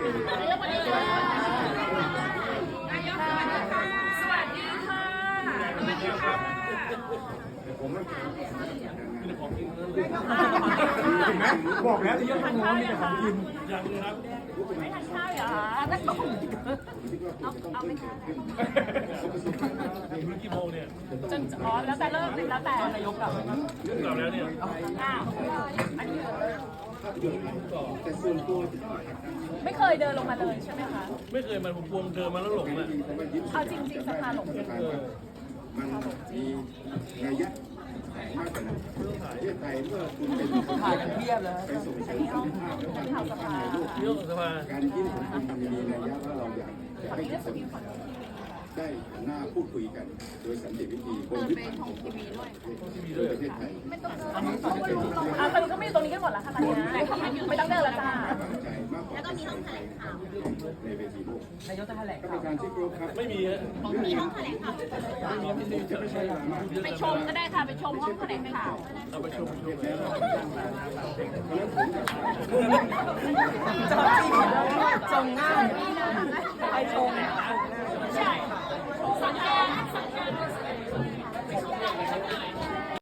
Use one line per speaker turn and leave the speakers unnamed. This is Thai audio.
นายกสวัสดีค่ะนายกสวัสดีค่ะสวัสดีค่ะสวัสดีค่ะ
บอกแล้วที่ยังทำน้องมีแต่ของกิน
ยังเลยครับไม่ทานข้าวเหรอนักต้มเอาไหมคะ
ถึงกี่โมงเนี่ย
จนอ๋อแล้วแต่เลิกแล้วแต่นายกกลับ
กลับแล้วเนี่ย
อ้าวอันนี้ไม่เคยเดินลงมาเลยใช่ไหมคะ
ไม่เคยมาผมพวงเดินมาแล้วหลงอ่ะ
เอาจริงๆสภาหลงจริง
มันมีนัยยะมากกว่านั้นประเทศไทยเมื่อคุณเป็นถ่ายกันเทียบเลยไปส่งเสริมสันติภาพและความสัมพันธ์ในโลก
เรื่องของสภา
การยื่นของคุณมันมีนัยยะว่าเราอยากจะให้ทุกคนได้หันหน้าพูดคุยกันโดยสันติวิธีบนพื้นฐานของประเทศไทย
อ่ะตอนนี้ก็ไม่อยู่ตรงนี้กันหมดแล้วค่ะตอนนี้ไม่ต้องเดินแล้วจ้า
ใจมากกว่าแล้วก็มีห้องแถลงข่าวในเวทีโลก
นายกจะแถลง
ท่านประธานที่เคารพครับ
ไม่มีฮะ
มีห้องแถลงข่าว ไปชมก็ได้ค่ะ ไปชมห้องแถลงข่าว
เอาไปชม
จงหน้าไปชมใช่สัญญาณ